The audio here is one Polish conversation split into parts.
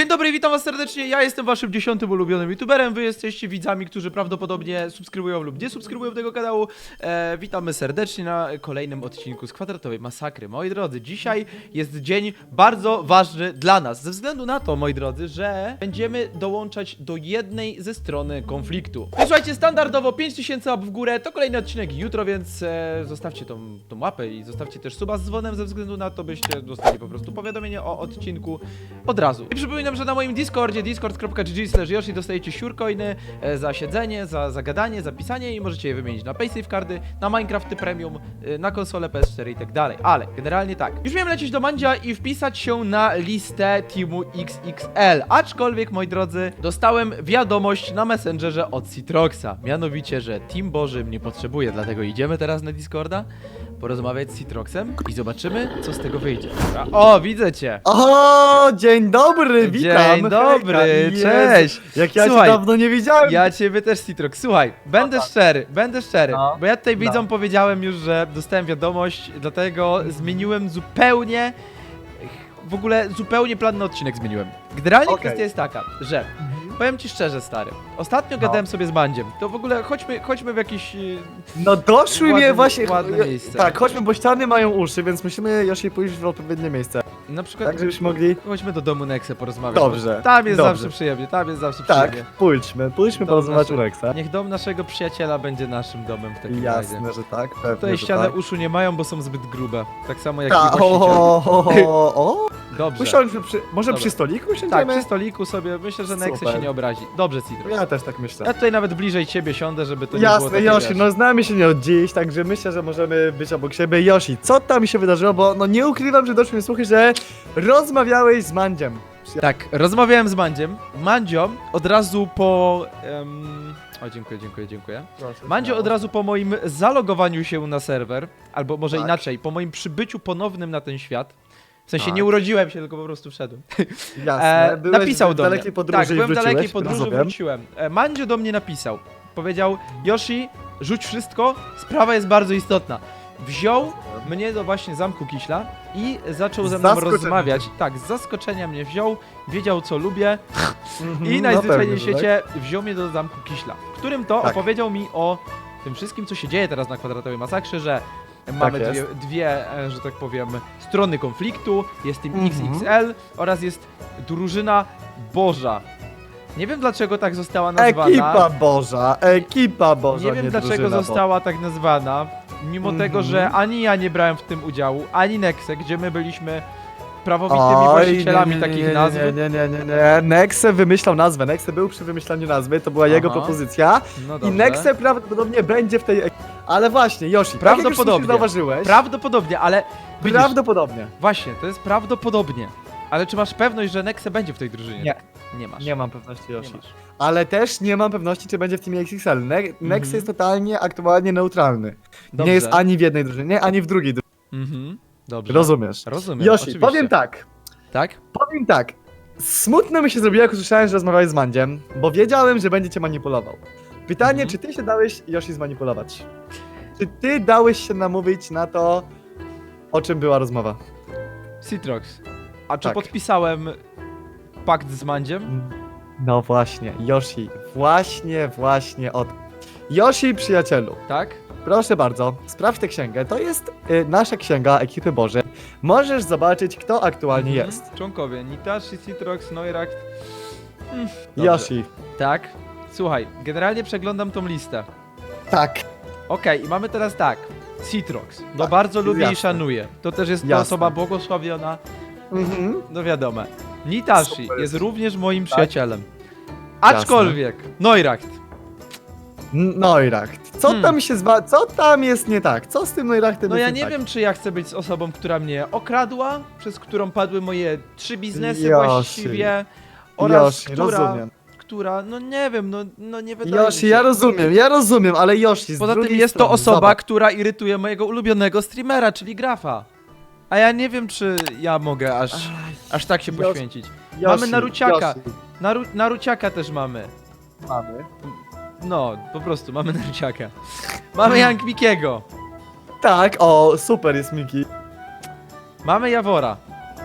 Dzień dobry, witam was serdecznie, ja jestem waszym 10. ulubionym youtuberem, wy jesteście widzami, którzy prawdopodobnie subskrybują lub nie subskrybują tego kanału. Witamy serdecznie na kolejnym odcinku z Kwadratowej Masakry. Moi drodzy, dzisiaj jest dzień bardzo ważny dla nas, ze względu na to, moi drodzy, że będziemy dołączać do jednej ze strony konfliktu. I słuchajcie, standardowo 5000 łap w górę, to kolejny odcinek jutro, więc zostawcie tą łapę i zostawcie też suba z dzwonem, ze względu na to, byście dostali po prostu powiadomienie o odcinku od razu. I przypominam, że na moim Discordzie, discord.gg/yoshi dostajecie siurcoiny za siedzenie, za gadanie, za pisanie i możecie je wymienić na PaySafe kardy, na Minecrafty Premium, na konsolę PS4 i tak dalej. Ale generalnie tak. Już miałem lecieć do Mandzia i wpisać się na listę Teamu XXL. Aczkolwiek, moi drodzy, dostałem wiadomość na Messengerze od Citroxa. Mianowicie, że Team Boży mnie potrzebuje, dlatego idziemy teraz na Discorda porozmawiać z Citroxem i zobaczymy, co z tego wyjdzie. Dobra. O, widzę cię! O, dzień dobry, witam! Dzień dobry, Hejka, cześć! Jak ja Słuchaj, cię dawno nie widziałem! Ja ciebie też, Citrox. Słuchaj, będę szczery, No. bo ja tutaj No. widzom powiedziałem już, że dostałem wiadomość, dlatego zmieniłem zupełnie, w ogóle zupełnie plan na odcinek zmieniłem. Generalnie Okej. kwestia jest taka, że powiem ci szczerze, stary, ostatnio gadałem sobie z Mandziem, to w ogóle chodźmy w jakiś... No doszły mnie Ładne- właśnie... ładne miejsce. Tak, chodźmy, bo ściany mają uszy, więc musimy Yoshi pójść w odpowiednie miejsce. Na przykład, Tak, żebyśmy mogli... chodźmy do domu Nexe porozmawiać. Dobrze, bo Tam jest dobrze. zawsze przyjemnie, tam jest zawsze Tak, przyjemnie. pójdźmy porozmawiać u Rexa. Niech dom naszego przyjaciela będzie naszym domem w takim razie. Jasne, że tak, pewnie, Tutaj że ściany tak. uszu nie mają, bo są zbyt grube. Tak samo jak i Ta, właściciel. o. Dobrze. Usiądźmy może Dobra. przy stoliku Tak, usiądziemy? przy stoliku sobie, myślę, że Nexe Super. się nie obrazi. Dobrze, Citro. Ja też tak myślę. Ja tutaj nawet bliżej ciebie siądę, żeby to nie było Jasne, takie, Yoshi, wiesz. no znamy się nie od dziś, także myślę, że możemy być obok siebie. Yoshi, co tam się wydarzyło, bo no nie ukrywam, że doszły mi słuchy, że rozmawiałeś z Mandziem. Tak, rozmawiałem z Mandziem. Mandzio od razu po... O, dziękuję. Mandzio od razu po moim zalogowaniu się na serwer, albo może Tak. inaczej, po moim przybyciu ponownym na ten świat, w sensie Tak. nie urodziłem się, tylko po prostu wszedłem. Jasne, byłeś Napisał w do mnie. dalekiej podróży Tak, i byłem w wróciłeś, dalekiej podróży, rozumiem. wróciłem. Mandzio do mnie napisał. Powiedział: Yoshi, rzuć wszystko, sprawa jest bardzo istotna. Wziął mnie do właśnie zamku Kiśla i zaczął ze mną Zaskoczenia. rozmawiać. Tak, z zaskoczenia mnie wziął, wiedział co lubię Mhm, i no najzwyczajniej w pewnie, że świecie wziął mnie do zamku Kiśla, w którym to Tak. opowiedział mi o tym wszystkim, co się dzieje teraz na Kwadratowej Masakrze, że mamy jest. dwie, że tak powiem, strony konfliktu, jest Team Mhm. XXL oraz jest drużyna Boża. Nie wiem dlaczego tak została nazwana. Ekipa Boża, Nie wiem dlaczego drużyna, została tak nazwana, mimo Mhm. tego, że ani ja nie brałem w tym udziału, ani Nexe, gdzie my byliśmy prawowitymi Oj, właścicielami nie, takich nazw. Nie. Nexe wymyślał nazwę, Nexe był przy wymyślaniu nazwy, to była jego Aha. propozycja. No I dobrze. Nexe prawdopodobnie będzie w tej ekipie. Ale właśnie, Yoshi, Prawdopodobnie. tak jak już zauważyłeś, Prawdopodobnie, ale widzisz, prawdopodobnie. właśnie, to jest prawdopodobnie. Ale czy masz pewność, że Nexe będzie w tej drużynie? Nie. Nie masz. Nie mam pewności, Nie Yoshi. masz. Ale też nie mam pewności, czy będzie w teamie XXL. Nexe Mhm. jest totalnie aktualnie neutralny. Dobrze. Nie jest ani w jednej drużynie, ani w drugiej drużynie. Mhm. Dobrze. Rozumiesz? Rozumiem. Yoshi, oczywiście. powiem tak. Tak? Smutno mi się zrobiło, jak usłyszałem, że rozmawiałeś z Mandziem, bo wiedziałem, że będzie cię manipulował. Pytanie, Mhm. czy ty się dałeś, Yoshi, zmanipulować? Czy ty dałeś się namówić na to, o czym była rozmowa? Citrox. A czy Tak. podpisałem pakt z Mandziem? No właśnie, Yoshi, właśnie o to. Yoshi, przyjacielu, Tak? proszę bardzo, sprawdź tę księgę. To jest nasza księga ekipy Bożej. Możesz zobaczyć, kto aktualnie Mhm. jest. Członkowie Nitashi, Citrox, Neuracht. Dobrze. Yoshi. Tak? Słuchaj, generalnie przeglądam tą listę. Tak. Okej, i mamy teraz tak. Citrox. No Tak, bardzo jest lubię i jasne. szanuję. To też jest ta Jasne. osoba błogosławiona. Mhm. No wiadomo. Nitashi Super. jest również moim przyjacielem. Aczkolwiek, Neuracht. Neuracht. Co tam się co tam jest nie tak? Co z tym Neurachtem No jest ja nie nie tak? wiem, czy ja chcę być z osobą, która mnie okradła, przez którą padły moje 3 biznesy Yoshi. właściwie, oraz Yoshi, rozumiem. która, no nie wiem, no nie wydaje mi Yoshi, się. ja rozumiem, ale Yoshi, z Poza tym drugiej jest to strony, osoba, zobacz. która irytuje mojego ulubionego streamera, czyli Grafa. A ja nie wiem, czy ja mogę aż tak się Yoshi, poświęcić. Yoshi, Mamy Naruciaka. Yoshi, Naruciaka też mamy. mamy. No, po prostu mamy Naruciaka. Mamy Young Mikiego. Tak, o, super jest Miki. Mamy Jawora.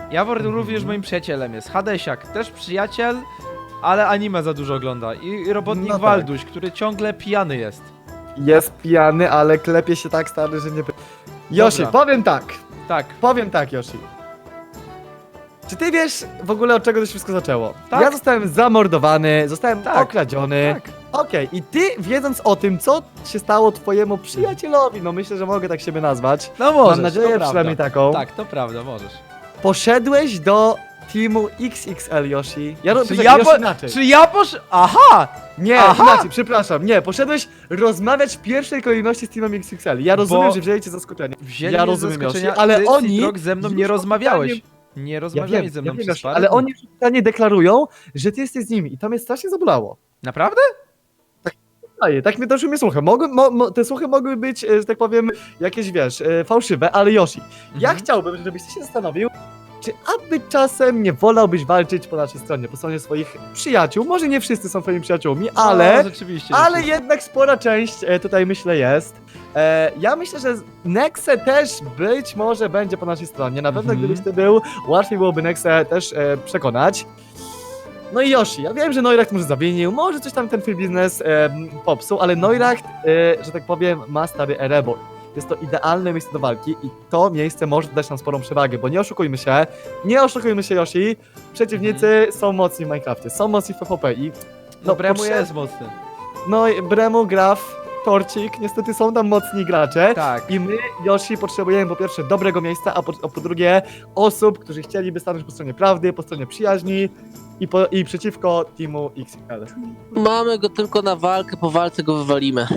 Jawor również moim przyjacielem jest. Hadesiak, też przyjaciel, ale anime za dużo ogląda. I robotnik No tak. Walduś, który ciągle pijany jest. Jest pijany, ale klepie się tak stary, że nie... Yoshi, Dobra. powiem tak, Yoshi. Czy ty wiesz w ogóle od czego to się wszystko zaczęło? Tak. Ja zostałem zamordowany, zostałem Tak. okradziony. Tak. Okej, i ty wiedząc o tym, co się stało twojemu przyjacielowi, no myślę, że mogę tak siebie nazwać. No możesz, Mam nadzieję to prawda. przynajmniej taką. Tak, to prawda, możesz. Poszedłeś do teamu XXL, Yoshi. Czy Yoshi ja, inaczej. czy ja Aha! Nie, Aha! inaczej, przepraszam, nie, poszedłeś rozmawiać w pierwszej kolejności z teamem XXL. Ja rozumiem, Bo że wzięli cię zaskoczenie. Wzięli Ja mnie z rozumiem, Yoshi, zaskoczenia, ale ty, oni... Citrok, ze mną nie już rozmawiałeś. oficjalnie- Nie rozmawiałeś ze mną przez Yoshi, parę ale dni. oni już oficjalnie deklarują, że ty jesteś z nimi i to mnie strasznie zabolało. Naprawdę? Tak mnie doszły mnie słuchy. Te słuchy mogły być, że tak powiem, jakieś, wiesz, fałszywe, ale Yoshi, ja Mhm. chciałbym, żebyś ty się zastanowił, czy aby czasem nie wolałbyś walczyć po naszej stronie, po stronie swoich przyjaciół. Może nie wszyscy są twoimi przyjaciółmi, ale... No, rzeczywiście. Ale jednak spora część tutaj myślę jest. Ja myślę, że Nexe też być może będzie po naszej stronie. Na pewno Mhm. gdybyś ty był, łatwiej byłoby Nexe też przekonać. No i Yoshi, ja wiem, że Neuracht może zawinił, może coś tam ten twój biznes popsuł, ale Neuracht, że tak powiem, ma stary Erebor. Jest to idealne miejsce do walki i to miejsce może dać nam sporą przewagę, bo nie oszukujmy się Yoshi, przeciwnicy są mocni w Minecrafcie, są mocni w PvP i No, Bremu potrzeb- jest mocny. no i Bremu, Graf, Torcik, niestety są tam mocni gracze. Tak. I my, Yoshi, potrzebujemy po pierwsze dobrego miejsca, a po drugie osób, którzy chcieliby stanąć po stronie prawdy, po stronie przyjaźni i przeciwko teamu XXL. Mamy go tylko na walkę, po walce go wywalimy.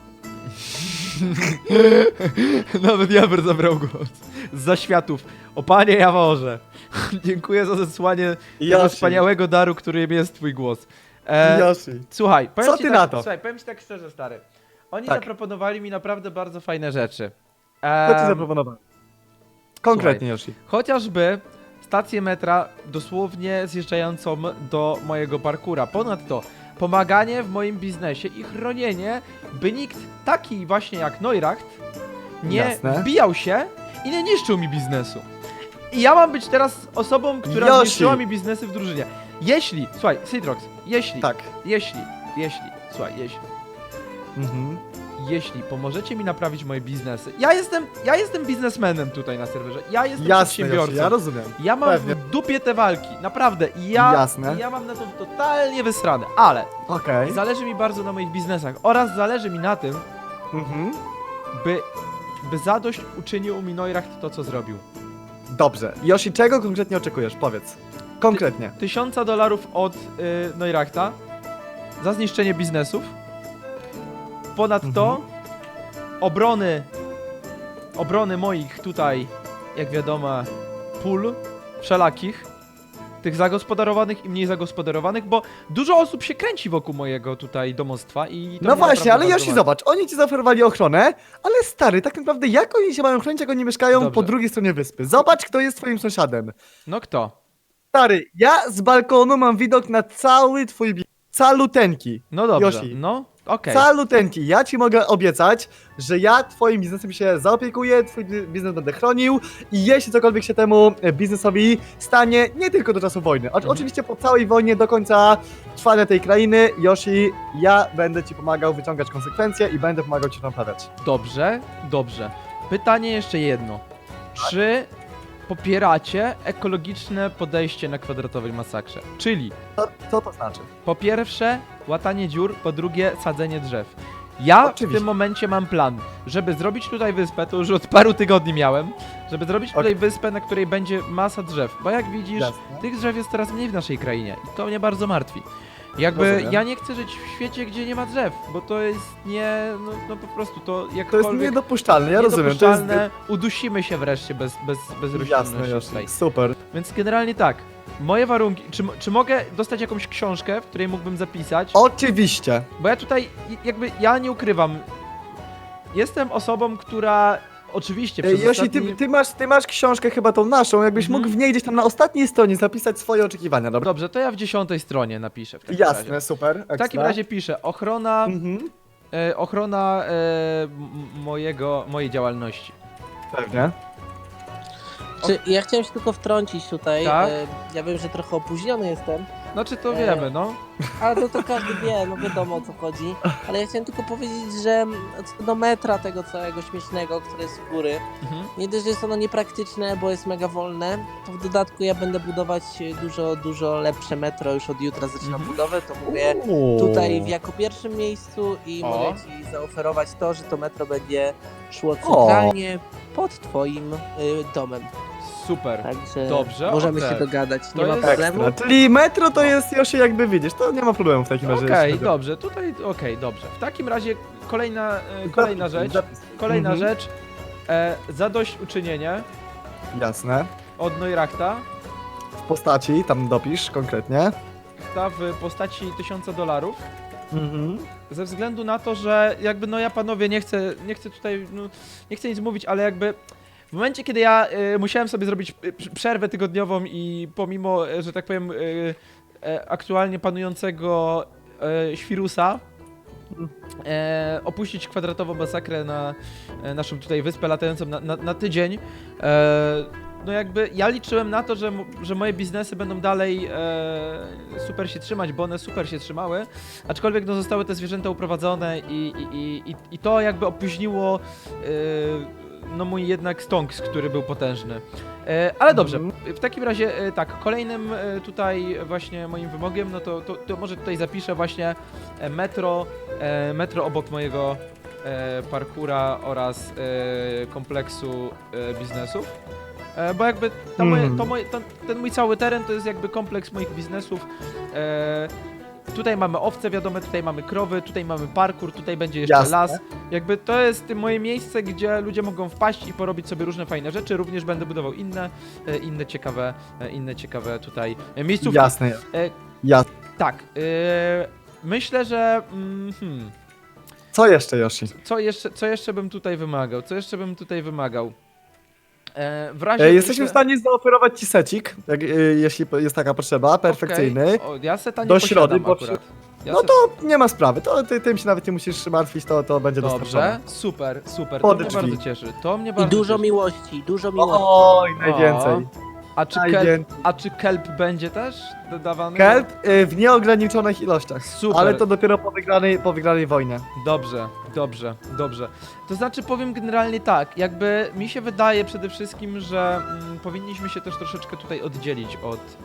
Nawet Jawor zabrał głos. Z zaświatów. O panie Jaworze. Dziękuję za zesłanie tego Yoshi. wspaniałego daru, którym jest twój głos. Yoshi. Słuchaj, powiem Co ci ty tak, na to? Słuchaj, powiem ci tak szczerze, stary. Oni Tak. zaproponowali mi naprawdę bardzo fajne rzeczy. Co ci zaproponowałem? Konkretnie, Yoshi. Chociażby stację metra dosłownie zjeżdżającą do mojego parkura. Ponadto pomaganie w moim biznesie i chronienie, by nikt taki właśnie jak Neuracht nie Jasne. wbijał się i nie niszczył mi biznesu. I ja mam być teraz osobą, która Yoshi. zniszczyła mi biznesy w drużynie. Jeśli, słuchaj, Citrox, Tak. jeśli, Mhm. jeśli pomożecie mi naprawić moje biznesy. Ja jestem biznesmenem tutaj na serwerze. Ja jestem Jasne, przedsiębiorcą. Yoshi, ja rozumiem. Ja mam Pewnie. w dupie te walki, naprawdę. I ja mam na to totalnie wysrane, ale Okej. zależy mi bardzo na moich biznesach oraz zależy mi na tym, Mhm. by zadość uczynił mi Neuracht to, co zrobił. Dobrze. Yoshi, czego konkretnie oczekujesz? Powiedz. Konkretnie. $1000 od Neurachta za zniszczenie biznesów. Ponadto obrony moich tutaj, jak wiadomo, pól wszelakich, tych zagospodarowanych i mniej zagospodarowanych, bo dużo osób się kręci wokół mojego tutaj domostwa i to No mnie właśnie, naprawdę ale bardzo Yoshi, martwi. zobacz, oni ci zaoferowali ochronę, ale stary, tak naprawdę jak oni się mają chronić, jak oni mieszkają Dobrze. po drugiej stronie wyspy? Zobacz, kto jest twoim sąsiadem. No kto? Stary, ja z balkonu mam widok na cały twój caluteńki. No dobrze, Yoshi. no okej. Caluteńki. Ja ci mogę obiecać, że ja twoim biznesem się zaopiekuję, twój biznes będę chronił i jeśli cokolwiek się temu biznesowi stanie, nie tylko do czasu wojny, oczywiście po całej wojnie, do końca trwania tej krainy, Yoshi, ja będę ci pomagał wyciągać konsekwencje i będę pomagał ci to naprawiać. Dobrze, dobrze. Pytanie jeszcze jedno. Czy popieracie ekologiczne podejście na kwadratowej masakrze? Czyli Co to znaczy? po pierwsze łatanie dziur, po drugie sadzenie drzew. Ja w Oczywiście. tym momencie mam plan, żeby zrobić tutaj wyspę, to już od paru tygodni miałem, żeby zrobić tutaj wyspę, na której będzie masa drzew, bo jak widzisz, Jasne. tych drzew jest coraz mniej w naszej krainie i to mnie bardzo martwi. Jakby Rozumiem. ja nie chcę żyć w świecie, gdzie nie ma drzew, bo to jest no po prostu to To jest jakkolwiek niedopuszczalne, ja rozumiem. To jest niedopuszczalne, udusimy się wreszcie bez jasne, roślinności tutaj. Yoshi. Super. Więc generalnie tak, moje warunki, czy mogę dostać jakąś książkę, w której mógłbym zapisać? Oczywiście. Bo ja tutaj, ja nie ukrywam, jestem osobą, która oczywiście przez Yoshi, ostatni... ty masz książkę chyba tą naszą, jakbyś Mhm. mógł w niej gdzieś tam na ostatniej stronie zapisać swoje oczekiwania, dobra? Dobrze, to ja w 10 stronie napiszę w takim razie. Jasne, super. W takim razie piszę, ochrona, Mhm. mojej działalności. Pewnie. Znaczy, ja chciałem się tylko wtrącić tutaj. Tak? Ja wiem, że trochę opóźniony jestem, Znaczy to wiemy, no. ale to każdy wie, no wiadomo o co chodzi. Ale ja chciałem tylko powiedzieć, że co do metra tego całego śmiesznego, które jest w góry, Mhm. nie dość, że jest ono niepraktyczne, bo jest mega wolne, to w dodatku ja będę budować dużo lepsze metro, już od jutra zaczynam Mhm. budowę, to mówię tutaj jako pierwszym miejscu i O. mogę ci zaoferować to, że to metro będzie szło centralnie pod twoim domem. Super. Także Dobrze, możemy okej. się dogadać, To nie ma jest problemu. Ekstra. Czyli metro to jest Yoshi, jakby widzisz, to nie ma problemu w takim razie. Okej, jeśli dobrze, tutaj, dobrze. W takim razie kolejna chodzi- rzecz, Zapis. kolejna Mhm. rzecz, zadośćuczynienie Jasne. od Neurachta, W postaci, tam dopisz konkretnie. ta w postaci $1000, Mhm. ze względu na to, że jakby no ja panowie nie chcę tutaj, no, nie chcę nic mówić, ale jakby w momencie, kiedy ja musiałem sobie zrobić przerwę tygodniową i pomimo, że tak powiem, aktualnie panującego świrusa, opuścić kwadratową masakrę na naszą tutaj wyspę latającą na tydzień, no jakby ja liczyłem na to, że moje biznesy będą dalej super się trzymać, bo one super się trzymały, aczkolwiek no zostały te zwierzęta uprowadzone i to jakby opóźniło no mój jednak stonks, który był potężny. Ale dobrze, w takim razie tak, kolejnym tutaj właśnie moim wymogiem, no to może tutaj zapiszę właśnie metro obok mojego parkura oraz kompleksu biznesów. Bo jakby ten mój cały teren to jest jakby kompleks moich biznesów. Tutaj mamy owce, wiadomo, tutaj mamy krowy, tutaj mamy parkour, tutaj będzie jeszcze Jasne. las. Jakby to jest moje miejsce, gdzie ludzie mogą wpaść i porobić sobie różne fajne rzeczy. Również będę budował inne ciekawe tutaj miejscówki. Jasne. E, Jasne. Tak, myślę, że Co jeszcze, Yoshi? co jeszcze bym tutaj wymagał? W razie Jesteśmy w stanie zaoferować ci secik, jeśli jest taka potrzeba, perfekcyjny. Okej. O, ja seta nie Do posiadam środy, bo akurat. Ja No se- to nie ma sprawy, to tym się nawet nie musisz martwić, to będzie Dobrze, dostarczone. super, Pod to mnie drzwi. bardzo cieszy. To mnie I bardzo dużo cieszy. miłości, dużo miłości. Oj, najwięcej. A a czy kelp będzie też dodawany? Kelp w nieograniczonych ilościach, Super. ale to dopiero po wygranej wojnie. Dobrze. To znaczy powiem generalnie tak, jakby mi się wydaje przede wszystkim, że powinniśmy się też troszeczkę tutaj oddzielić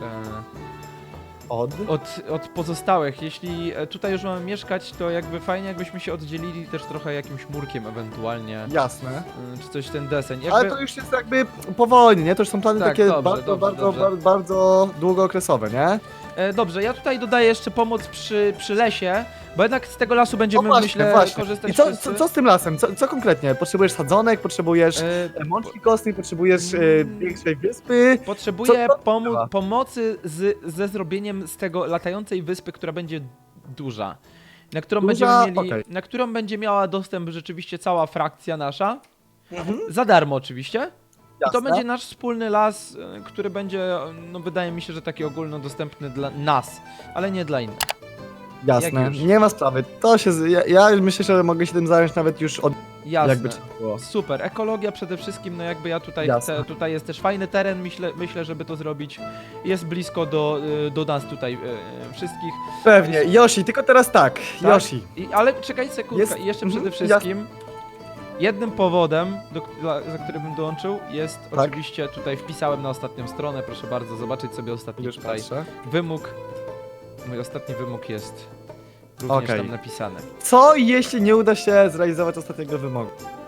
od pozostałych. Jeśli tutaj już mamy mieszkać, to jakby fajnie jakbyśmy się oddzielili też trochę jakimś murkiem ewentualnie, Jasne. czy coś ten deseń. Jakby... Ale to już jest jakby po wojnie, nie? To już są plany Tak, takie dobrze, bardzo długookresowe, nie? Dobrze, ja tutaj dodaję jeszcze pomoc przy lesie, bo jednak z tego lasu będziemy, myślę, korzystać I co, wszyscy. co z tym lasem? Co konkretnie? Potrzebujesz sadzonek, potrzebujesz mączki kostnej, potrzebujesz większej wyspy? Potrzebuję co trzeba? pomocy ze zrobieniem z tego latającej wyspy, która będzie duża. Na którą, Duża? będziemy mieli, Okej. na którą będzie miała dostęp rzeczywiście cała frakcja nasza. Mhm. Za darmo oczywiście. I to Jasne. będzie nasz wspólny las, który będzie, no wydaje mi się, że taki ogólnodostępny dla nas, ale nie dla innych. Jasne, Jak już? nie ma sprawy. Ja myślę, że mogę się tym zająć nawet już od Jasne. jakby trzeba było. Super, ekologia przede wszystkim, no jakby ja tutaj Jasne. chcę, tutaj jest też fajny teren, myślę, żeby to zrobić. Jest blisko do nas tutaj wszystkich. Pewnie, Yoshi, tylko teraz tak, Tak? Yoshi. Ale czekaj sekundkę, Jest- i jeszcze mhm, przede wszystkim jednym powodem, za który bym dołączył, jest Tak. oczywiście, tutaj wpisałem na ostatnią stronę, proszę bardzo zobaczyć sobie ostatni Już tutaj patrzę. wymóg. Mój ostatni wymóg jest również Okej. tam napisany. Co jeśli nie uda się zrealizować ostatniego wymogu?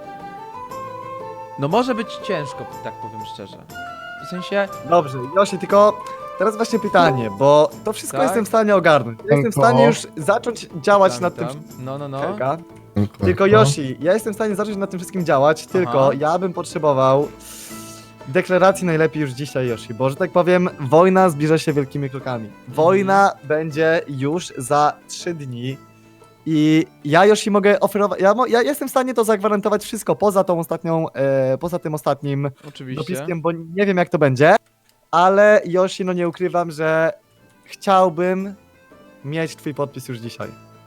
No może być ciężko, tak powiem szczerze. W sensie, Dobrze, Yoshi, tylko teraz właśnie pytanie, bo to wszystko Tak. jestem w stanie ogarnąć. Ja jestem w stanie już zacząć działać nad tym. No. Czeka. Tylko Yoshi, ja jestem w stanie zacząć nad tym wszystkim działać, tylko ja bym potrzebował deklaracji najlepiej już dzisiaj, Yoshi, bo że tak powiem, wojna zbliża się wielkimi krokami. Wojna będzie już za 3 dni i ja, Yoshi, mogę oferować, ja jestem w stanie to zagwarantować wszystko poza tą ostatnią, poza tym ostatnim Oczywiście. dopiskiem, bo nie wiem jak to będzie, ale Yoshi, no nie ukrywam, że chciałbym mieć twój podpis już dzisiaj.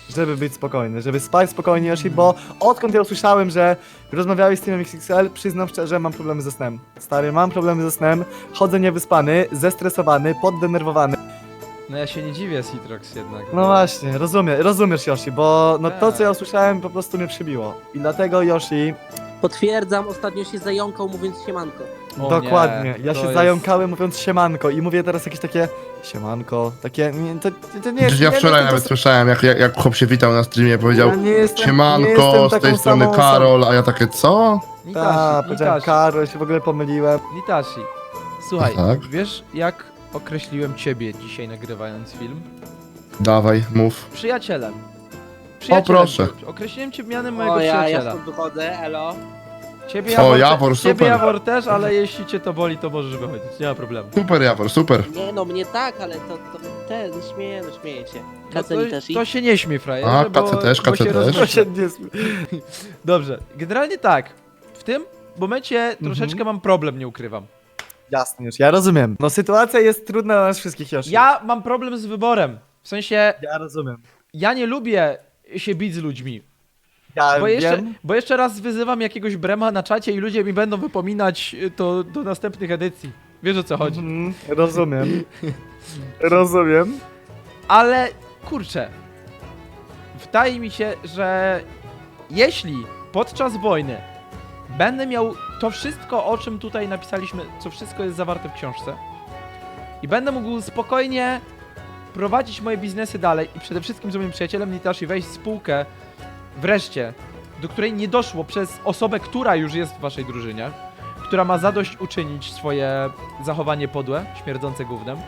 żeby być spokojny, żeby spać spokojnie, Yoshi, bo odkąd ja usłyszałem, że rozmawiałeś z Teamem XXL, przyznam szczerze, mam problemy ze snem. Stary, mam problemy ze snem, chodzę niewyspany, zestresowany, poddenerwowany. No ja się nie dziwię, Citrox jednak. No właśnie, rozumiesz Yoshi, bo no to Tak. co ja usłyszałem po prostu mnie przybiło. I dlatego Yoshi, Potwierdzam, ostatnio się zająkał mówiąc siemanko. O dokładnie, nie, ja to się jest- zająkałem mówiąc siemanko i mówię teraz jakieś takie siemanko, takie, nie, to nie jest... Przecież ja nie, wczoraj to- nawet słyszałem, jak chłop się witał na streamie, powiedział ja nie jestem, nie siemanko, jestem z tej taką strony samą osobą. Karol, a ja takie co? Tak, Nitashi, powiedziałem Nitashi, Karol, się w ogóle pomyliłem. Nitashi. Słuchaj, Tak? wiesz jak określiłem ciebie dzisiaj nagrywając film? Dawaj, mów. Przyjacielem. proszę. Określiłem cię mianem mojego O, ja przyjaciela. stąd wychodzę, elo. Ciebie O, Jawor, Jawor, ciebie super. Jawor też, ale jeśli cię to boli, to możesz wychodzić, nie ma problemu. Super Jawor, super. Nie no, mnie tak, ale to ten, śmieję się. No Kaceli też i... to się nie śmiej, frajerze, A, bo, KC też, bo KC się też. rozmyśla. To się nie Dobrze, generalnie tak. W tym momencie troszeczkę mam problem, nie ukrywam. Jasne już, ja rozumiem. No sytuacja jest trudna dla nas wszystkich, Yoshi. Ja mam problem z wyborem. W sensie, Ja rozumiem. ja nie lubię się bić z ludźmi. Ja Bo bo jeszcze raz wyzywam jakiegoś brema na czacie i ludzie mi będą wypominać to do następnych edycji. Wiesz o co chodzi. Rozumiem. Rozumiem. Ale kurczę, wydaje mi się, że jeśli podczas wojny będę miał to wszystko, o czym tutaj napisaliśmy, co wszystko jest zawarte w książce i będę mógł spokojnie prowadzić moje biznesy dalej i przede wszystkim z moim przyjacielem Nitashi wejść w spółkę wreszcie, do której nie doszło przez osobę, która już jest w waszej drużynie, która ma zadośćuczynić swoje zachowanie podłe, śmierdzące gównem.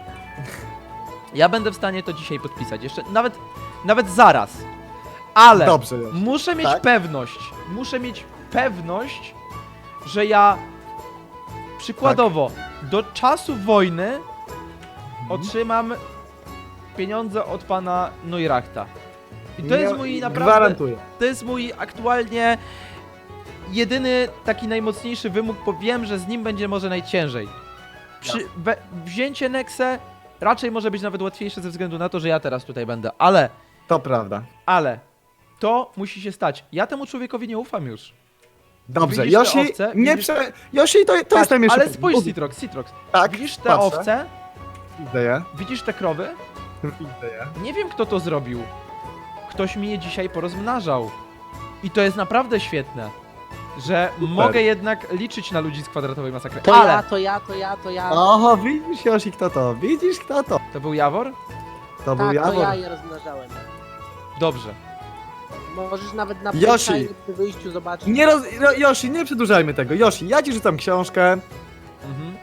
Ja będę w stanie to dzisiaj podpisać, jeszcze nawet zaraz. Ale Dobrze, Yoshi. muszę mieć Tak? pewność, że ja przykładowo do czasu wojny otrzymam pieniądze od pana Neurachta. I to jest mój naprawdę, Gwarantuję. to jest mój aktualnie jedyny taki najmocniejszy wymóg, bo wiem, że z nim będzie może najciężej. Wzięcie Nexe raczej może być nawet łatwiejsze ze względu na to, że ja teraz tutaj będę, To prawda. ale to musi się stać. Ja temu człowiekowi nie ufam już. Dobrze, Widzisz te Yoshi, owce? nie Widzisz- prze... Yoshi, to jest Patrz, najmniejszy ale problem. spójrz, Citrox. Tak, Widzisz te patrzę. owce? Widzę je. Widzisz te krowy? Widzę je. Nie wiem, kto to zrobił. Ktoś mi je dzisiaj porozmnażał. I to jest naprawdę świetne, że mogę jednak liczyć na ludzi z kwadratowej masakry. To Ale to ja. Oho, widzisz Yoshi, kto to? Widzisz, kto to? to był Jawor? To był Tak, to Jawor. ja je rozmnażałem. Dobrze. Możesz nawet na Yoshi. Playtime przy wyjściu zobaczyć. Yoshi, nie przedłużajmy tego. Yoshi, ja ci rzucam książkę Mhm.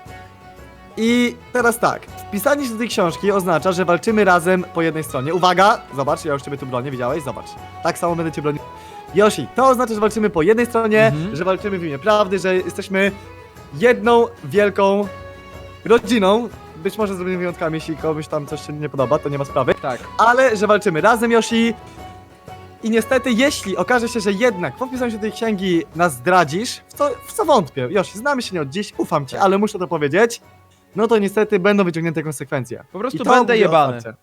i teraz tak. Wpisanie się do tej książki oznacza, że walczymy razem po jednej stronie. Uwaga, zobacz, ja już ciebie tu bronię, widziałeś? Zobacz. Tak samo będę cię bronił. Yoshi, to oznacza, że walczymy po jednej stronie, Mhm. że walczymy w imię prawdy, że jesteśmy jedną wielką rodziną. Być może zrobimy wyjątkami, jeśli komuś tam coś się nie podoba, to nie ma sprawy. Tak. Ale że walczymy razem, Yoshi. I niestety, jeśli okaże się, że jednak po wpisaniu się do tej księgi nas zdradzisz, w co wątpię, Yoshi, znamy się nie od dziś, ufam ci, ale muszę to powiedzieć, no to niestety będą wyciągnięte konsekwencje. Po prostu I to będę mówię jebany. otwarcie.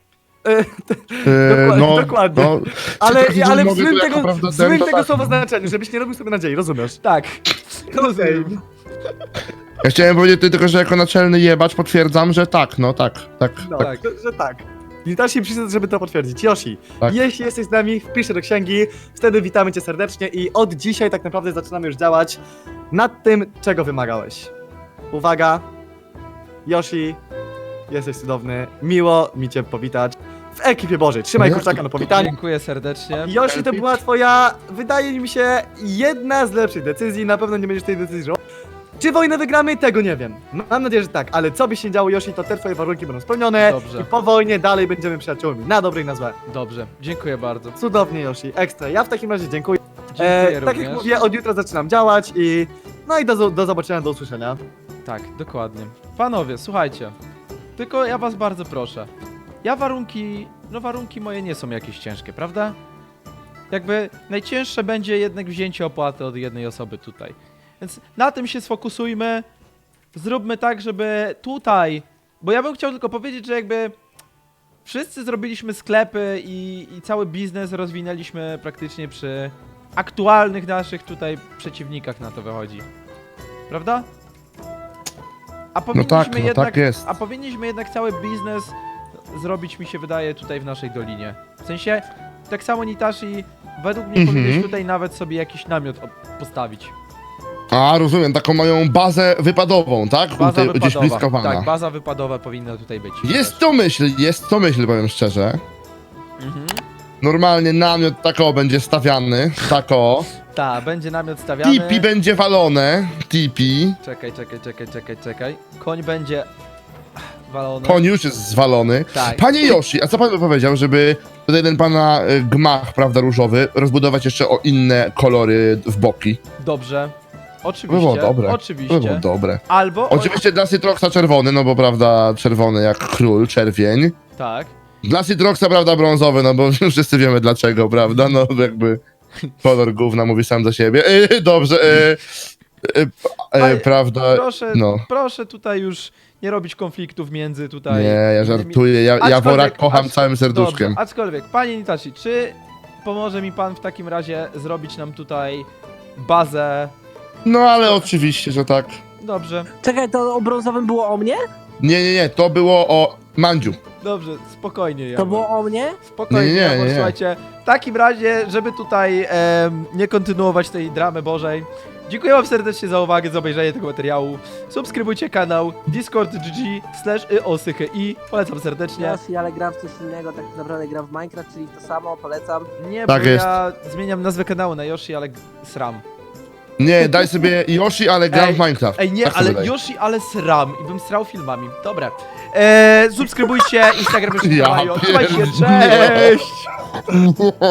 Dokładnie. No, Ale, Ciekawe, ale w mogę złym to jako tego, prawda złym ten, to tego tak. słowa znaczeniu, żebyś nie robił sobie nadziei, rozumiesz? Tak. Okej. Rozumiem. ja chciałem powiedzieć tylko, że jako naczelny jebacz potwierdzam, że tak, no tak. No, Tak. że tak. Witashi przyszedł, żeby to potwierdzić. Yoshi, Tak. jeśli jesteś z nami, wpisz się do księgi, wtedy witamy cię serdecznie i od dzisiaj tak naprawdę zaczynamy już działać nad tym, czego wymagałeś. Uwaga, Yoshi, jesteś cudowny, miło mi cię powitać w ekipie Bożej. Trzymaj No, kurczaka na powitanie. Dziękuję serdecznie. Yoshi, to była twoja, wydaje mi się, jedna z lepszych decyzji, na pewno nie będziesz tej decyzji żałował. Czy wojnę wygramy? Tego nie wiem. Mam nadzieję, że tak, ale co by się nie działo, Yoshi, to te twoje warunki będą spełnione Dobrze. i po wojnie dalej będziemy przyjaciółmi, na dobre i na złe. Dobrze. Dziękuję bardzo. Cudownie, Yoshi, ekstra. Ja w takim razie dziękuję. Dziękuję Tak również. jak mówię, od jutra zaczynam działać i no i do zobaczenia, do usłyszenia. Tak, dokładnie. Panowie, słuchajcie. Tylko ja was bardzo proszę. Warunki moje nie są jakieś ciężkie, prawda? Jakby najcięższe będzie jednak wzięcie opłaty od jednej osoby tutaj. Więc na tym się sfokusujmy. Zróbmy tak, żeby tutaj... Bo ja bym chciał tylko powiedzieć, że jakby... Wszyscy zrobiliśmy sklepy i cały biznes rozwinęliśmy praktycznie przy aktualnych naszych tutaj przeciwnikach, na to wychodzi. Prawda? A powinniśmy tak jest. A powinniśmy jednak cały biznes zrobić, mi się wydaje, tutaj w naszej dolinie. W sensie, tak samo Nitashi, według mnie powinieneś tutaj nawet sobie jakiś namiot postawić. A, rozumiem, taką moją bazę wypadową, tak? Baza Tutaj, gdzieś wypadowa. blisko wana. Tak, baza wypadowa powinna tutaj być. Jest to myśl, powiem szczerze. Mhm. Normalnie namiot tako będzie stawiany, tako. Tak, będzie namiot stawiany. Tipi będzie walone, tipi. Czekaj. Koń będzie walony. Koń już jest zwalony. Tak. Panie Yoshi, a co pan by powiedział, żeby tutaj ten pana gmach, prawda, różowy, rozbudować jeszcze o inne kolory w boki? Dobrze. By Oczywiście. było dobre. By było Oczywiście. dobre. Albo. Oczywiście dla Citroxa czerwony, no bo prawda, czerwony jak król, czerwień. Tak. Dla Citroxa, prawda, brązowy, no bo wszyscy wiemy dlaczego, prawda, no jakby kolor gówna mówi sam za siebie. Dobrze, Panie, prawda, Proszę tutaj już nie robić konfliktów między tutaj. nie, ja żartuję, ja wora kocham całym serduszkiem. Dobrze, aczkolwiek, panie Nitashi, czy pomoże mi pan w takim razie zrobić nam tutaj bazę? No ale oczywiście, że tak. Dobrze, Czekaj, to o brązowym było o mnie? Nie, to było o Mandziu. dobrze, spokojnie. To Jawor. było o mnie? Spokojnie, Nie, Jawor, nie. słuchajcie. W takim razie, żeby tutaj nie kontynuować tej dramy bożej, dziękuję wam serdecznie za uwagę, za obejrzenie tego materiału. Subskrybujcie kanał discord.gg/iosychy. Polecam serdecznie. Yoshi, ale gram w coś innego, tak naprawdę gram w Minecraft, czyli to samo, polecam. Nie, Tak bo jest. ja zmieniam nazwę kanału na Yoshi, ale sram. Nie, daj sobie Yoshi, ale gram Ej, w Minecraft. Ej, nie, Tak ale sobie daj. Yoshi, ale sram i bym srał filmami. Dobra. Subskrybujcie Instagram, Ja Trzymajcie się, pierdzielę. cześć!